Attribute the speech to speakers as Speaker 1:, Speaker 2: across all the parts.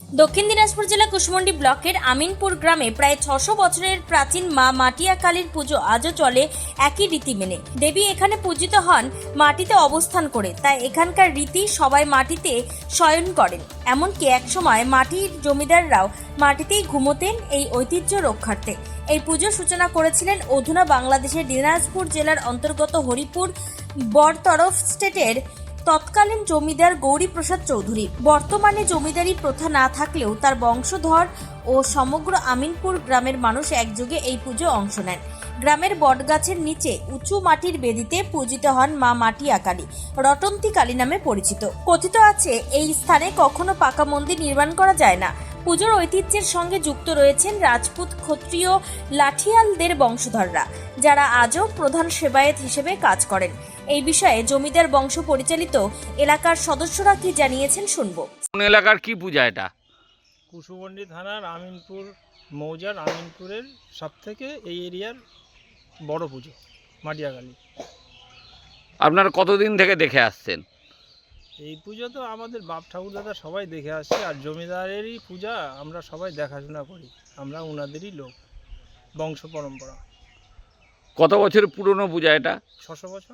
Speaker 1: দক্ষিণ দিনাজপুর জেলা কুশমন্ডি ব্লকের আমিনপুর গ্রামে প্রায় ৬০০ বছরের প্রাচীন মা মাটিয়া কালীর পুজো আজও চলে একই রীতি মেনে। দেবী এখানে পূজিত হন মাটিতে অবস্থান করে, তাই এখানকার রীতি সবাই মাটিতে শয়ন করেন। এমনকি একসময় মাটির জমিদাররাও মাটিতেই ঘুমোতেন এই ঐতিহ্য রক্ষার্থে। এই পুজোর সূচনা করেছিলেন অধুনা বাংলাদেশের দিনাজপুর জেলার অন্তর্গত হরিপুর বরতরফ স্টেটের তৎকালীন জমিদার গৌরীপ্রসাদ চৌধুরী। বর্তমানে জমিদারি প্রথা না থাকলেও তার বংশধর ও সমগ্র আমিনপুর গ্রামের মানুষ একযোগে এই পুজো অংশ নেন। গ্রামের বটগাছের নিচে উঁচু মাটির বেদিতে পূজিত হন মা মাটিয়া কালী, রটন্তী কালী নামে পরিচিত। কথিত আছে এই স্থানে কখনো পাকা মন্দির নির্মাণ করা যায় না। পুজোর ঐতিহ্যের সঙ্গে যুক্ত রয়েছেন রাজপুত, ক্ষত্রিয়, লাঠিয়ালদের বংশধররা, যারা আজও প্রধান সেবায়েত হিসেবে কাজ করেন। এই বিষয়ে জমিদার বংশ পরিচালিত এলাকার সদস্যরা কি জানিয়েছেন শুনবো।
Speaker 2: কোন এলাকার কি পূজা এটা?
Speaker 3: কুশমন্ডি থানার আমিনপুর মৌজার আমিনপুরের সবথেকে এই এরিয়ার বড় পুজো মাটিয়া কালী।
Speaker 2: আপনারা কতদিন থেকে দেখে আসছেন?
Speaker 3: এই পুজো তো আমাদের বাপ ঠাকুর দাদা সবাই দেখে আসছে, আর জমিদারেরই পূজা আমরা সবাই দেখাশোনা করি, আমরা ওনাদেরই লোক, বংশ পরম্পরা।
Speaker 2: কত বছর পুরনো পূজা এটা?
Speaker 3: ৬০০ বছর।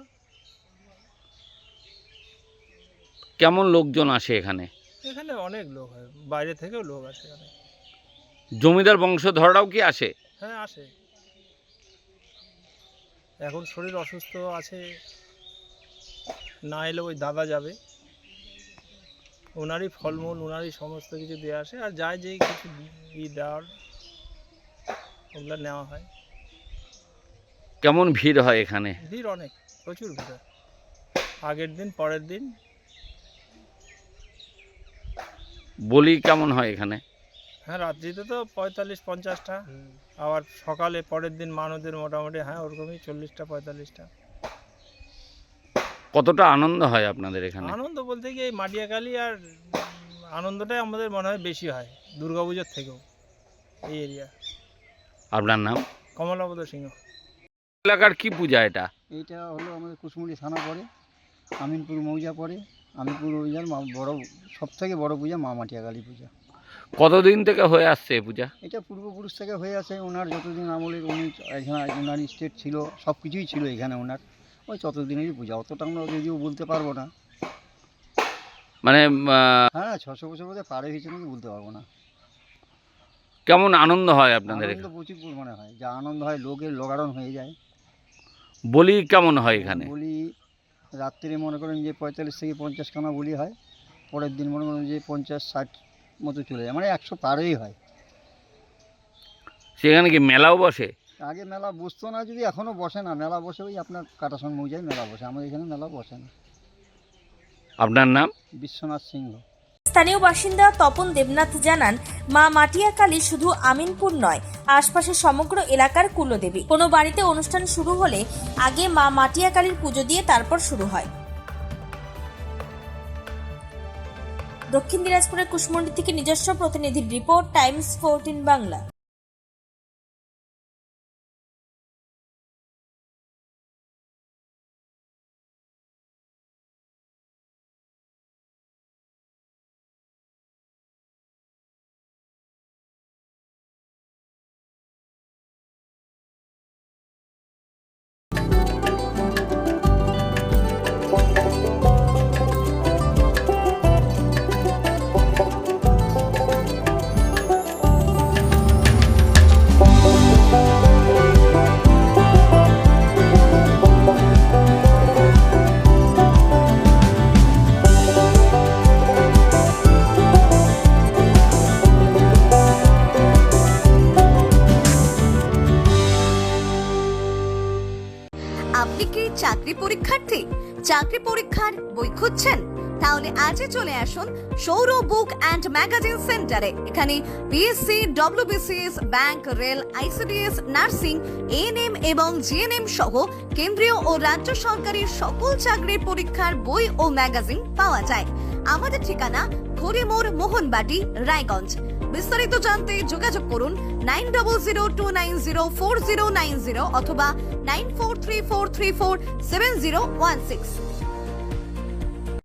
Speaker 2: কেমন লোকজন আসে এখানে?
Speaker 3: এখানে অনেক লোক হয়, বাইরে থেকেও লোক আসে এখানে।
Speaker 2: জমিদার বংশধররাও কি আসে?
Speaker 3: হ্যাঁ, আসে। এখন শরীর অসুস্থ আছে, না এলে ওই দাদা যাবে, ওনারই ফলমূল ওনারই সমস্ত কিছু দিয়ে আসে, আর যায় যেই কিছু দেওয়ার ওগুলো নেওয়া হয়।
Speaker 2: কেমন ভিড় হয় এখানে?
Speaker 3: ভিড় অনেক, প্রচুর ভিড় হয়, আগের দিন পরের দিন।
Speaker 2: বলি কেমন হয় এখানে?
Speaker 3: হ্যাঁ, রাত্রিতে তো ৪৫-৫০টা, আবার সকালে পরের দিন মানুষদের মোটামুটি ওরকমই ৪০টা ৪৫টা।
Speaker 2: কতটা আনন্দ হয় আপনাদের এখানে?
Speaker 3: আনন্দ বলতে কি, এই মাটিয়া কালী আর আনন্দটাই আমাদের মনে হয় বেশি হয় দুর্গাপুজোর থেকেও এই এরিয়া।
Speaker 2: আপনার নাম?
Speaker 3: কমলাপদ সিংহ।
Speaker 2: এলাকার কি পূজা এটা?
Speaker 4: এইটা হলো আমাদের কুশমন্ডি থানা পড়ে, আমিনপুর মৌজা পড়ে। আমিনপুর মৌজার বড় সবথেকে বড় পূজা মা মাটিয়া কালী পূজা।
Speaker 2: কতদিন থেকে হয়ে আসছে এই পূজা?
Speaker 4: এটা পূর্বপুরুষ থেকে হয়ে আছে, ওনার যতদিন আমলের উনি এখানে ওনার স্টেট ছিল, সব কিছুই ছিল এখানে ওনার, ওই ততদিনেরই পূজা। অতটা আমরা যদিও বলতে পারবো না,
Speaker 2: মানে
Speaker 4: হ্যাঁ ৬০০ বছর বোধহয় পার হয়েছে নাকি বলতে পারবো না।
Speaker 2: কেমন আনন্দ হয় আপনাদের
Speaker 4: আনন্দ
Speaker 2: এখানে?
Speaker 4: প্রচুর পরিমাণে হয়, যা আনন্দ হয় লোকের লোকারণ হয়ে যায়।
Speaker 2: বলি কেমন হয় এখানে?
Speaker 4: বলি রাত্রে মনে করেন যে ৪৫ থেকে ৫০ খানা বলি হয়, পরের দিন মনে করেন যে ৫০-৬০ মতো চলে যায়, মানে ১০০ পারেই হয়।
Speaker 2: সেখানে কি মেলাও বসে?
Speaker 4: আগে মেলা বসতো না, যদি এখনও বসে না, মেলা বসে ওই আপনার কাটাসন মৌজায় মেলা বসে, আমাদের এখানে মেলা বসে না।
Speaker 2: আপনার নাম?
Speaker 4: বিশ্বনাথ সিংহ।
Speaker 1: স্থানীয় বাসিন্দা তপন দেবনাথ জানান, মা মাটিয়া কালী শুধু আমিনপুর নয়, আশপাশের সমগ্র এলাকার কুলদেবী। কোনো বাড়িতে অনুষ্ঠান শুরু হলে আগে মা মাটিয়া কালীর পুজো দিয়ে তারপর শুরু হয়। দক্ষিণ দিনাজপুরের কুশমন্ডি থেকে নিজস্ব প্রতিনিধির রিপোর্ট, টাইমস 14 বাংলা।
Speaker 5: আপনি কি চাকরি পরীক্ষার্থী? চাকরি পরীক্ষার বই খুঁজছেন? তাহলে আজই চলে আসুন সৌরভ বুক অ্যান্ড ম্যাগাজিন সেন্টারে। এখানে BSc, WBCS, bank, rail, ICDS, nursing, ANM এবং জিএনএম সহ কেন্দ্রীয় ও রাজ্য সরকারের সকল চাকরির পরীক্ষার বই ও ম্যাগাজিন পাওয়া যায়। আমাদের ঠিকানা খড়িমোড়, মোহনবাটি, রায়গঞ্জ। বিস্তারিত জানতে যোগাযোগ করুন 9002904090 অথবা 9434347016।